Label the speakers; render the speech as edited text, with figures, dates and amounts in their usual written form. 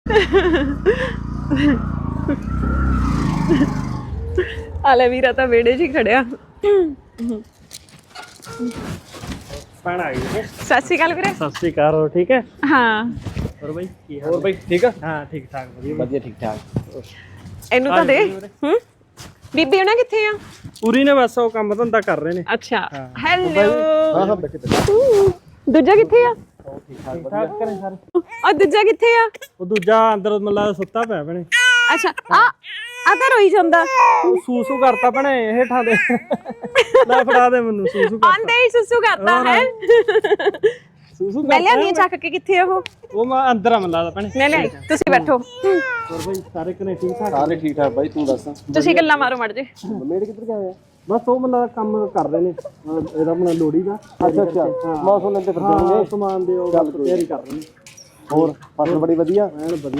Speaker 1: ਆਲੇ ਵੀਰਾ ਤਾਂ ਵਿਹੜੇ 'ਚ ਹੀ ਖੜਿਆ।
Speaker 2: ਭੈਣ ਆ ਗਈ।
Speaker 1: ਸਤਿ ਸ਼੍ਰੀ ਅਕਾਲ ਵੀਰੇ।
Speaker 2: ਸਤਿ ਸ਼੍ਰੀ ਅਕਾਲ। ਹੋਰ ਠੀਕ ਹੈ?
Speaker 1: ਹਾਂ
Speaker 2: ਹੋਰ ਬਾਈ ਕੀ ਹਾਲ? ਹੋਰ ਬਾਈ ਠੀਕ ਆ? ਹਾਂ ਠੀਕ ਠਾਕ ਵਧੀਆ
Speaker 3: ਵਧੀਆ ਠੀਕ ਠਾਕ।
Speaker 1: ਇਹਨੂੰ ਤਾਂ ਦੇ। ਹੂੰ ਬੀਬੀ ਉਹਨਾਂ ਕਿੱਥੇ ਆ?
Speaker 2: ਪੂਰੀ ਨੇ ਬਸ ਉਹ ਕੰਮ ਧੰਦਾ ਕਰ ਰਹੇ ਨੇ।
Speaker 1: ਅੱਛਾ ਹੈਲੋ।
Speaker 3: ਹਾਂ ਹਾਂ ਬੈਠੇ
Speaker 1: ਦੂਜਾ ਕਿੱਥੇ ਆ?
Speaker 3: ਠੀਕ ਠਾਕ
Speaker 2: ਠੀਕ
Speaker 3: ਵਧੀਆ।
Speaker 2: ਠਾਕ ਕਰੇ ਸਾਰੇ।
Speaker 1: ਔਰ ਦੂਜਾ ਕਿੱਥੇ ਆ?
Speaker 2: ਉਹ ਦੂਜਾ ਅੰਦਰ ਮਤਲਬ ਸੁੱਤਾ ਪਿਆ ਭੈਣੇ।
Speaker 1: ਅੱਛਾ ਆ ਤਾਂ ਰੋਈ ਜਾਂਦਾ।
Speaker 2: ਉਹ ਸੂਸੂ ਕਰਤਾ ਭੈਣੇ ਹੇਠਾਂ ਦੇ। ਲੈ ਫੜਾ ਦੇ ਮੈਨੂੰ ਸੂਸੂ ਕਰਤਾ।
Speaker 1: ਆਂਦੇ ਹੀ ਸੁਸੂ ਕਰਦਾ ਹੈ।
Speaker 2: ਸੂਸੂ
Speaker 1: ਮੈਂ ਲਿਆਨੀ ਚੱਕ ਕੇ। ਕਿੱਥੇ ਆ ਉਹ
Speaker 2: ਮੈਂ ਅੰਦਰ ਆ ਮੈਨੂੰ ਲੱਗਦਾ ਭੈਣੇ।
Speaker 1: ਨਹੀਂ ਨਹੀਂ ਤੁਸੀਂ ਬੈਠੋ।
Speaker 2: ਹੋਰ ਬਾਈ ਸਾਰੇ ਕਨੇ ਠੀਕ ਠਾਕ?
Speaker 3: ਸਾਰੇ ਠੀਕ ਠਾਕ ਬਾਈ ਤੂੰ ਦੱਸ।
Speaker 1: ਤੁਸੀਂ ਗੱਲਾਂ ਮਾਰੋ ਮੜ ਜੇ।
Speaker 3: ਮੇੜ ਕਿੱਧਰ ਗਿਆ ਹੋਇਆ?
Speaker 2: ਬਸ ਉਹ ਮਤਲਬ ਕੰਮ ਕਰ ਰਹੇ ਨੇ ਇਹਦਾ ਆਪਣਾ ਲੋੜੀ ਦਾ।
Speaker 3: ਅੱਛਾ ਮੌਸਮ ਲੈਂਦੇ ਫਿਰਦੇ
Speaker 2: ਹਾਂ ਸਮਾਨ ਦੇ ਉਹ ਤਿਆਰੀ ਕਰ ਰਹੇ ਨੇ।
Speaker 3: ਹੋਰ ਫਸਲ ਬੜੀ ਵਧੀਆ
Speaker 2: ਐਨ ਵਧੀਆ।